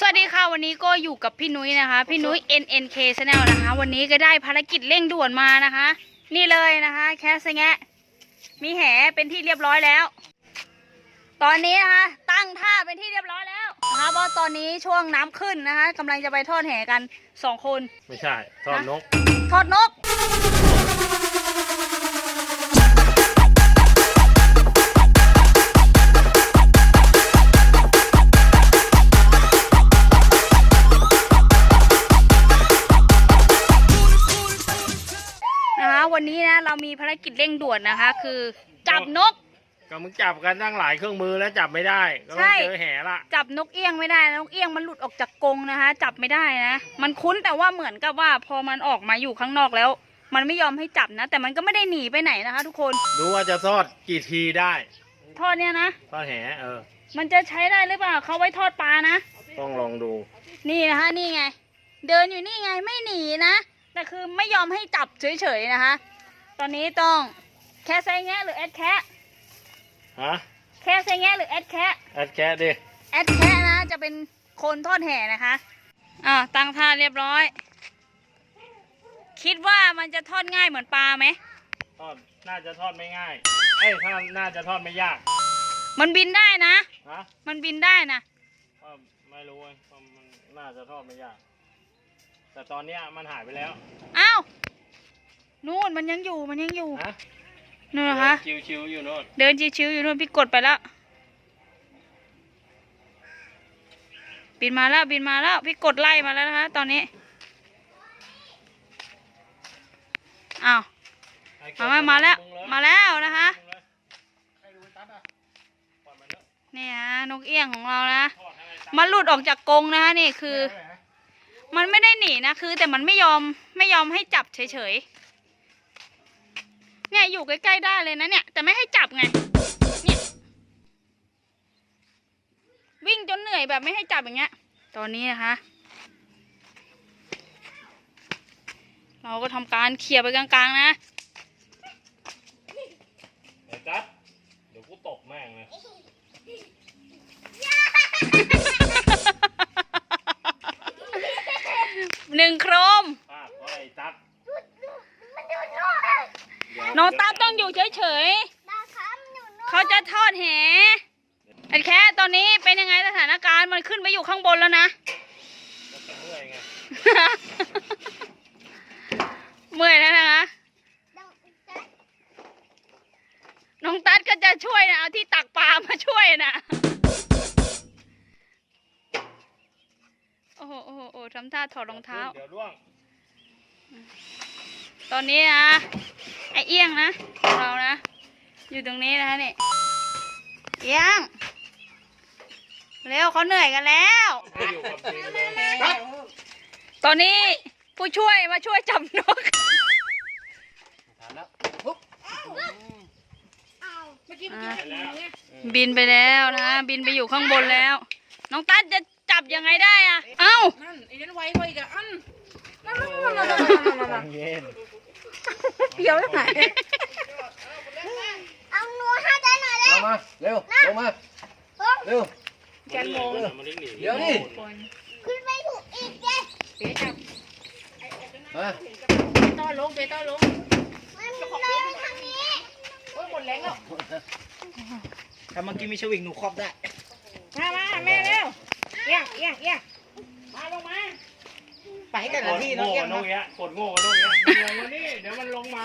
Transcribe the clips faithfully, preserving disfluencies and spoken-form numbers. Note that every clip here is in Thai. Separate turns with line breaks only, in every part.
สวัสดีค่ะวันนี้ก็อยู่กับพี่นุ้ยนะคะพี่นุ้ย เอ็น เอ็น เค Channel นะคะวันนี้ก็ได้ภารกิจเร่งด่วนมานะคะนี่เลยนะคะแคสแงะมีแหเป็นที่เรียบร้อยแล้วตอนนี้นะคะตั้งท่าเป็นที่เรียบร้อยแล้วนะคะเพราะตอนนี้ช่วงน้ำขึ้นนะคะกำลังจะไปทอดแหกันสองคน
ไม่ใช่ทอดนก
ทอดนกวันนี้นะเรามีภารกิจเร่งด่วนนะคะคือจับนก
ก็มึงจับกันตั้งหลายเครื่องมือแล้วจับไม่ได้ก็ต้องเจอแห่ละ
จับนกเอี้ยงไม่ได้นกเอี้ยงมันหลุดออกจากกรงนะคะจับไม่ได้นะมันคุ้นแต่ว่าเหมือนกับว่าพอมันออกมาอยู่ข้างนอกแล้วมันไม่ยอมให้จับนะแต่มันก็ไม่ได้หนีไปไหนนะคะทุกคน
ดูว่าจะทอดกี่ทีได้
ทอดเนี่ยนะ
ทอดแห่เออ
มันจะใช้ได้หรือเปล่าเขาไว้ทอดปลานะ
ต้องลองดู
นี่นะคะนี่ไงเดินอยู่นี่ไงไม่หนีนะแต่คือไม่ยอมให้จับเฉยๆนะคะตอนนี้ต้องแค่ไซแงะหรือแอดแคะ
ฮะ
แค่ไซแงะหรือแอดแคะ
แอดแคะดิ
แอดแคะนะจะเป็นคนทอดแห่นะคะอ่าตั้งท่าเรียบร้อยคิดว่ามันจะทอดง่ายเหมือนปลาไหม
ทอดน่าจะทอดไม่ง่ายเอ้ยถ้าน่าจะทอดไม่ยาก
มันบินได้นะ
ฮะ
มันบินได้นะ
ไม่รู้ว่ามันน่าจะทอดไม่ยากแต่ตอนนี้มันหายไปแล้ว
อ้าวนู่นมันยังอยู่มันยังอยู่นู่นนะคะ
ชิวๆอยู่นู่น
เดินชิวๆอยู่นู่นพี่กดไปแล้วบินมาแล้วบินมาแล้วพี่กดไล่มาแล้วนะคะตอนนี้อ้าวมามาแล้วมาแล้วนะคะนี่ฮะนกเอี้ยงของเรานะมันหลุดออกจากกรงนะคะนี่คือมันไม่ได้หนีนะคือแต่มันไม่ยอมไม่ยอมให้จับเฉยๆเนี่ยอยู่ใกล้ๆได้เลยนะเนี่ยแต่ไม่ให้จับไงเนี่ยวิ่งจนเหนื่อยแบบไม่ให้จับอย่างเงี้ยตอนนี้นะคะเราก็ทำการเขี่ยไปกลางๆนะ
ไอ้จัดเดี๋ยวกูตกแม่งเลย
หนึ่งโครม
ไอ้จัด
น้องตาต้องอยู่เฉยๆเขาจะทอดแหไอ้แค่ตอนนี้เป็นยังไงสถานการณ์มันขึ้นไปอยู่ข้างบนแล้วนะเมื่อยแล้วนะคะน้องตัดก็จะช่วยนะเอาที่ตักปลามาช่วยนะโอ้โหโอ้โหโอ้ทำท่าถอดรองเท้าตอนนี้นะไอเอี้ยงนะของเรานะอยู่ตรงนี้นะคะนี่เอี้ยงเร็วเขาเหนื่อยกันแล้วตอนนี้ผู้ช่วยมาช่วยจับนกบินไปแล้วนะบินไปอยู่ข้างบนแล้วน้องตั๊ดจะจับยังไงได้อะเอ้า
นั่นไอ้นั่นไว้ไว้กับอันนั่นนั่นนั่นนั่นเปียวไหน
เอาหนูให้ได้หน่อยเลย
มาเร็วลงมาเร็ว
แกนโมง
เดี๋ยวนี่
ขึ้นไปถูกอีกเลย
เปียจับมาต้อนลงเปียต้อนลง
มันเลยทางนี้
โอ้ยหมดแรงแล้วถ้าเมื่อกี้มีชวิงหนูครอบได้มามาแม่เร็วเอี้ยงเอี้ยงเอี้ยงมาลงมาไปกันละที่น้องเอี้ยง
น้องเอี้ยงกดโง่น้องเอี้ยงลงมานี่เดี๋ยวมันลงมา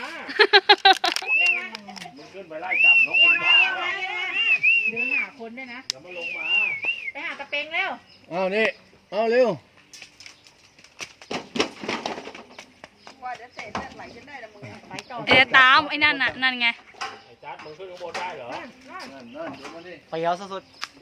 มึงขึ้นไปไล่จับนกมึงบ้า
เดินหาคนด้วยนะ
เดี๋ยวมันลงมา
ไปหาตะเปงเร็ว
เอานี่เอาเร็ว
ว่าจะเตะเลือดไหลจนได้ละมึงไปต่อ
เดี๋ยวตามไอ้นั่นน่ะนั่นไง
ไอ้จัดมึงขึ้นข้างบนได้เหรอ
นั่นนั่นเดี๋ยวมาดิ
ไปเอาสุด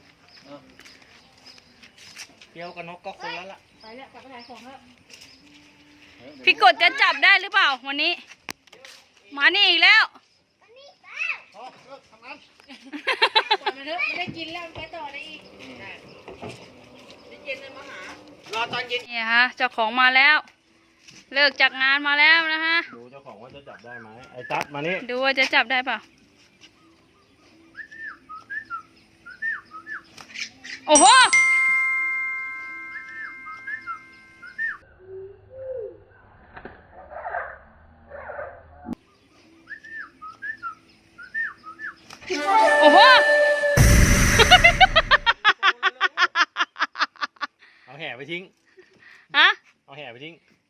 เปียวกับนกก็คนละละไปแล้วกลับไปขายของแล้ว
พี่กดจะจับได้หรือเปล่าวันนี้มานี่อีกแล้ว
ปล่อยมันเถอะไม่ได้กินแล้วไปต่อได้อีกเย็นเลยมาหารอตอนเย็น
นี่ฮะเจ้าของมาแล้วเลิกจากงานมาแล้วนะฮะ
ดูเจ้าของว่าจะจับได้ไหมไอ้จัดมานี่
ดูว่าจะจับได้เปล่าโอ้โหอ้โห
เอาแห่ไปทิ้ง
ฮะ
เอาแห่ไปทิ้ง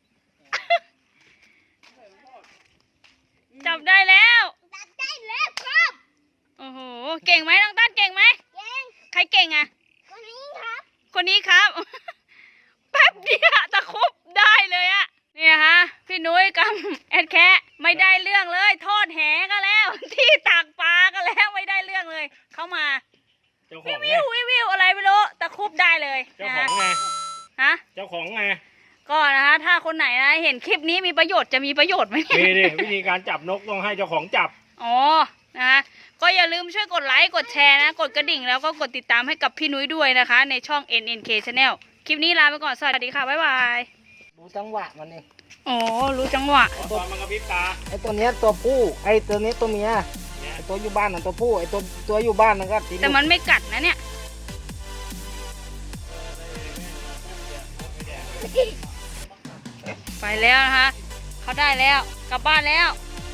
จับได้แล้ว
จับได้แล้วครับ
โอ้โห เก่งไหมน้องตั้นเก่งไหม
เก่ง
ใครเก่งอ่ะ
คนนี้ครับ
คนนี้ครับ แป๊บเดียวตะครุบได้เลยอะเนี่ยฮะ พี่นุ้ยกับแอดแคะไม่ได้เรื่องเลย ทอดแหก็แล้ว ที่ตักปลาก็แล้วไม่ได้เรื่องเลย เข้ามา
เจ้าข
วิ
อง
ว
ไง
วิววิววิวอะไรไม่รู้ตะครุบได้เลย
เจ้า
นะ
ขอ
ฮะ
งไง
ฮะ
เจ้าของไง
ก็นะคะถ้าคนไหนนะเห็นคลิปนี้มีประโยชน์จะมีประโยชน์ไหมเนี่ย
มีดิวิธีการจับนกต้องให้เจ้าของจับ
อ๋อ นะคะก็อย่าลืมช่วยกดไลค์ กดแชร์นะ กดกระดิ่งแล้วก็กดติดตามให้กับพี่นุ้ยด้วยนะคะ ในช่อง เอ็น เอ็น เค Channel คลิปนี้ลาไปก่อน สวัสดีค่ะ บ๊ายบาย
ดูจังหวะมันเอง
อ๋อ รู้จังหวะ
ตอนมันกระพริบตา
ไอตัวเนี้ยตัวผู้ไอตัวนี้ตัวเมีย
เนี่ย
ไอตัวอยู่บ้านน่ะตัวผู้ไอตัวตัวอยู่บ้านนั่นก็ที
แต่มันไม่กัดนะเนี่ย ไปแล้วนะคะ เขาได้แล้ว กลับบ้านแล้ว
เ